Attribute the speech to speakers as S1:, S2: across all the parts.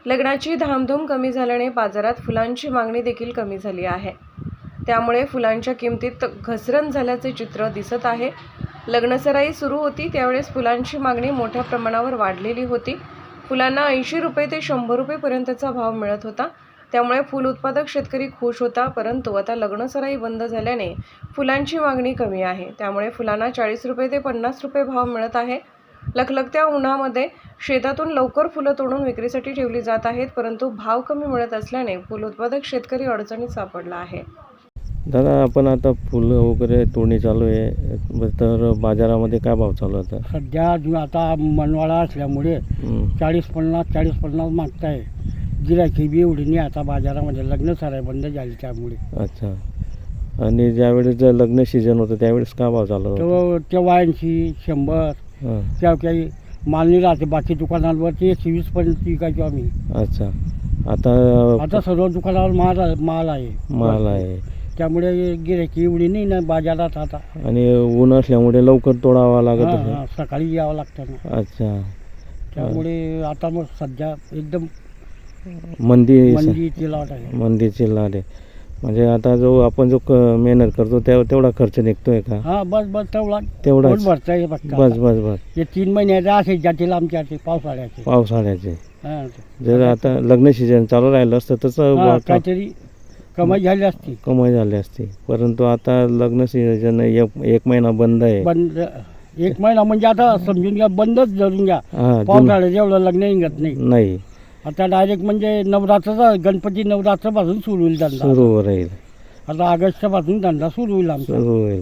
S1: लग्नाची धामधूम कमी झाल्याने बाजारात फुलांची मागणी देखील कमी झाली आहे। त्यामुळे फुलांच्या किमतीत घसरण झाल्याचे चित्र दिसत आहे। लग्नसराई सुरू होती त्यावेळेस फुलांची मागणी मोठ्या प्रमाणावर वाढलेली होती। फुलांना 80 रुपये ते 100 रुपये पर्यंतचा भाव मिळत होता। त्यामुळे फूल उत्पादक शेतकरी खुश होता, परंतु आता लग्नसराई बंद झाल्याने फुलांची मागणी कमी आहे। त्यामुळे फुलांना 40 रुपये ते 50 रुपये भाव मिळत आहे। लखलखत्या उन्हामध्ये शेतातून लवकर फुलं तोडून विक्रीसाठी ठेवली जात आहेत, परंतु भाव कमी मिळत असल्याने फूल उत्पादक शेतकरी अडचणीत सापडला आहे।
S2: दादा, आपण आता फुलं वगैरे तोडणी चालू आहे, तर बाजारामध्ये काय भाव चालू आहे?
S3: सध्या आता मनवाळा असल्यामुळे 40-50 मागताय। गिरायकी बी एवढी नाही आता बाजारामध्ये, लग्न सराई बंद झाली त्यामुळे।
S2: अच्छा, आणि ज्यावेळेस जर लग्न सीजन होतं त्यावेळेस काय भाव चालू होता?
S3: तेव्हा 80-100 त्या काही माल नाही राहते। बाकी दुकानांवरती 120 पर्यंत विकायचो आम्ही।
S2: अच्छा, आता
S3: सर्व दुकानावर माल आहे, त्यामुळे गिरायकी एवढी नाही ना बाजारात आता।
S2: आणि ऊन असल्यामुळे लवकर तोडावा लागत आहे,
S3: सकाळी यावं लागतं ना।
S2: अच्छा,
S3: त्यामुळे आता मग सध्या एकदम
S2: मंदीची
S3: लाट आहे।
S2: म्हणजे आता आपण जो मेहनत करतो तेवढा खर्च निघतोय का?
S3: बस
S2: तेवढाच
S3: भरताय
S2: बस
S3: हे 3 महिन्याचे असे जातील आमच्या
S2: पावसाळ्याचे। जर आता लग्न सीजन चालू राहिलं असतं तर
S3: काहीतरी कमाई झाली असती,
S2: परंतु आता लग्न सीजन एक महिना बंद आहे।
S3: एक महिना म्हणजे आता समजून घ्या, बंदच धरून घ्या। पावसाळ्यात एवढं लग्न निघत नाही। आता डायरेक्ट म्हणजे गणपती नवरात्रापासून सुरू होईल धंदा,
S2: सुरू राहील।
S3: आता ऑगस्ट पासून धंदा सुरू होईल आमचा।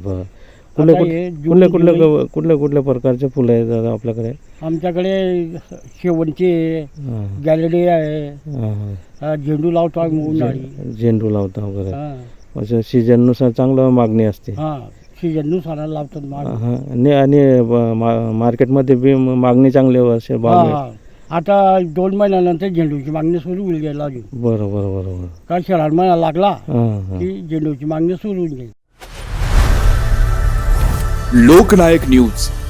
S2: कुठल्या प्रकारचे फुलं आहेत दादा आपल्याकडे?
S3: आमच्याकडे शेवंती आहे, गॅलरी आहे, झेंडू लावतो आम्ही उन्हाळी।
S2: झेंडू लावता वगैरे, सीजननुसार चांगलं मागणी असते।
S3: सीजननुसार लावतात
S2: आणि मार्केटमध्ये बी मागणी चांगली असेल।
S3: आता 2 महिन्यानंतर झेंडूची मागणी सुरू होईल गेला अजून।
S2: बरोबर
S3: का श्रावण महिना लागला की झेंडूची मागणी सुरू होईल।
S4: लोकनायक न्यूज